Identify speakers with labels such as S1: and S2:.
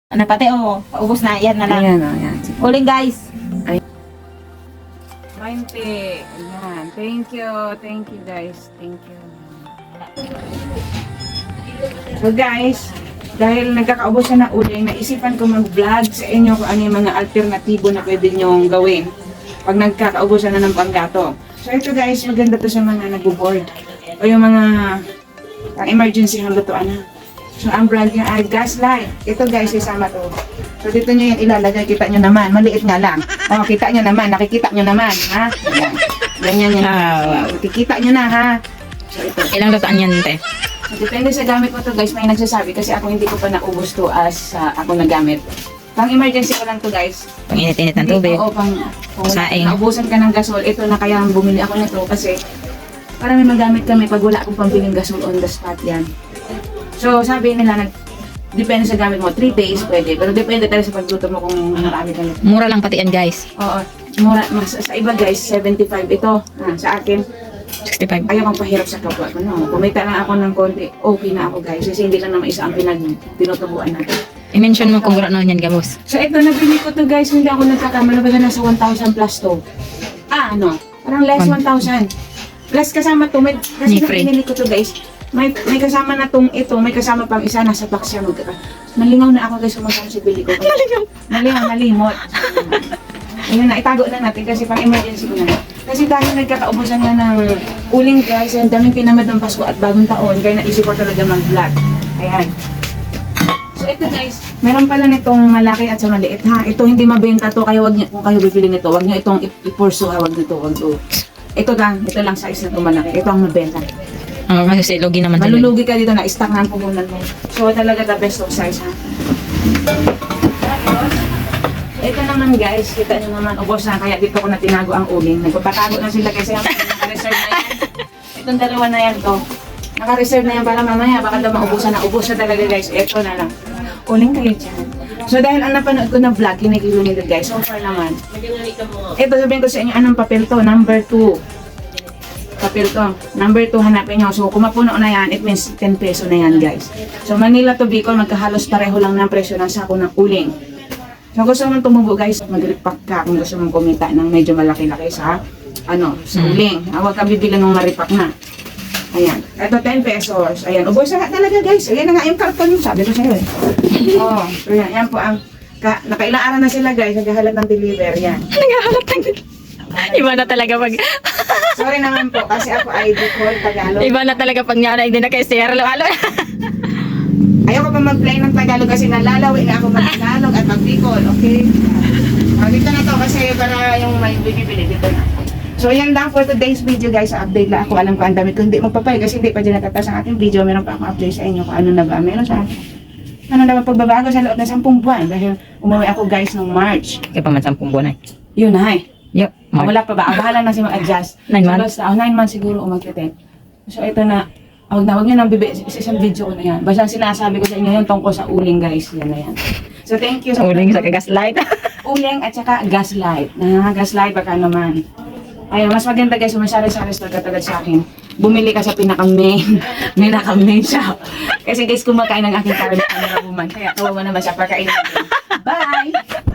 S1: Ano pati paubos na. Yan na lang.
S2: Ayan, ayan.
S1: Uling guys.
S2: 20. Ayan. Thank you. Thank you guys. Thank you. So guys, dahil nagkakaubos na ng uling, naisipan ko mag-vlog sa inyo kung ano yung mga alternatibo na pwede nyong gawin pag nagkakaubusan na ng panggatong. So ito guys, maganda to sa mga nag-board o yung mga emergency ng lutuan na. So ang brand niya ay Gaslight. Ito guys, isama to. So dito nyo yan ilalagay, kita nyo naman, maliit nga lang. O, kita nyo naman, nakikita nyo naman, ha? Ayan. Ganyan yan. Kikita nyo na, ha? So ito.
S1: Ilang lutuan yan, te?
S2: So, depende sa gamit mo to guys, may nagsasabi kasi ako hindi ko pa naubos to as ako nagamit. Pang emergency ko lang to guys.
S1: Pang init-init ng tubig.
S2: Oo, kung
S1: Saing.
S2: naubusan ka ng gasol, ito na kaya bumili ako nito kasi para may magamit kami pag wala akong pambiling gasol on the spot yan. So sabi nila, depende sa gamit mo, 3 days pwede, pero depende talaga sa pagluto mo kung marami ka nito.
S1: Mura lang pati yan, guys.
S2: Oo, mura, sa iba guys, 75 ito. Sa akin,
S1: 65.
S2: ayaw kong pahirap sa kapwa ko. No? Kumita lang ako ng konti, okay na ako guys, kasi hindi lang naman isa ang tinutubuan natin.
S1: I-mention mo kung gano'n yan, gabos.
S2: So ito, nabili ko to guys, hindi ako nagkakamala, baga nasa 1,000 plus to. Parang less 1,000. Plus kasama to, kasi
S1: free.
S2: pinili ko to guys, may kasama na tong ito, may kasama pang isa, nasa box siya. Nalingaw na ako guys, kumakang si bili ko. Nalingaw, nalimot. Ayun na, itago na natin kasi pang emergency ko na. Kasi dahil nagkakaubusan na ng uling guys, ang daming pinamad ng Pasko at bagong taon, kaya naisip ko talaga mag-vlog. Ayan. So ito guys, meron pala nitong malaki at sa maliit ha. Ito hindi mabenta to, kaya wag niyo, kung kayo bibili nito, wag niyo itong ipurso ha, wag nito, wag to. Ito lang size na to malaki. Ito ang mabenta.
S1: Kasi lugi naman.
S2: Malulugi ka dito na stock na ang puhunan mo. So talaga the best of size ha. Ito naman guys, kita nyo naman, ubos na, kaya dito ko na tinago ang uling. Nagpapatago na sila kasi naka-reserve na yan. Itong dalawa na yan to. Naka-reserve na yan para mamaya, baka daw maubusan na. Ubos na talaga guys, ito na lang. Uling kayo dyan. So dahil ang napanood ko na vlog, kinikilo nito guys, so far naman. Ito sabihin ko sa inyo, anong papel to? Number 2. Papel to. Number 2, hanapin nyo. So, kung mapuno na yan, it means 10 peso na yan, guys. So, Manila to Bicol, magkahalos pareho lang ng presyo ng sako ng uling. So, gusto mong tumubo, guys, mag-repack ka kung gusto mong kumita ng medyo malaki-laki sa, sa uling. Huwag kang bibili ng maripak na. Ayan. Ito, 10 pesos. Ayan. Ubos na talaga, guys. Ayan na nga yung karton yung sabi ko sa'yo, eh. So, yan po ang, nakailang araw na sila, guys, naghahalap ng deliver. Yan.
S1: Naghahalap ng Iba na talaga pag...
S2: Sorry naman po, kasi ako ay Bicol, Tagalog.
S1: Iba na talaga pag nyanay din na kay Sierra Lalo.
S2: Ayoko pa mag-play ng Tagalog kasi nalalawi na ako mag-Tagalog at mag-Bicol, okay? Dito na to kasi para yung may bibili dito na. So yan lang for today's video guys, update lang ako. Alam ko ang dami ko hindi magpapay kasi hindi pa dyan natatas ang ating video. Meron pa akong update sa inyo kung ano na ba. Meron sa ano naman pagbabago sa loob ng 10 buwan dahil umuwi ako guys ng March.
S1: Kaya pa man 10 buwan ay.
S2: Yun na eh.
S1: Yup.
S2: Wala pa ba? Bahala na si mag-adjust.
S1: 9 months?
S2: So, 9 months siguro umagkitin. So ito na. Huwag nyo nang isang video ko na yan. Basta sinasabi ko sa inyo yun tungkol sa uling guys. Yan na yan. So thank you.
S1: Uling sa Gaslight.
S2: Uling at saka Gaslight. Gaslight baka naman. Ayun, mas maganda guys, sumasari-sari store katulad sa akin. Bumili ka sa pinaka-main shop. Kasi guys, kumakain ng aking karamihan na woman. Kaya kawawa naman siya pagkain natin. Bye!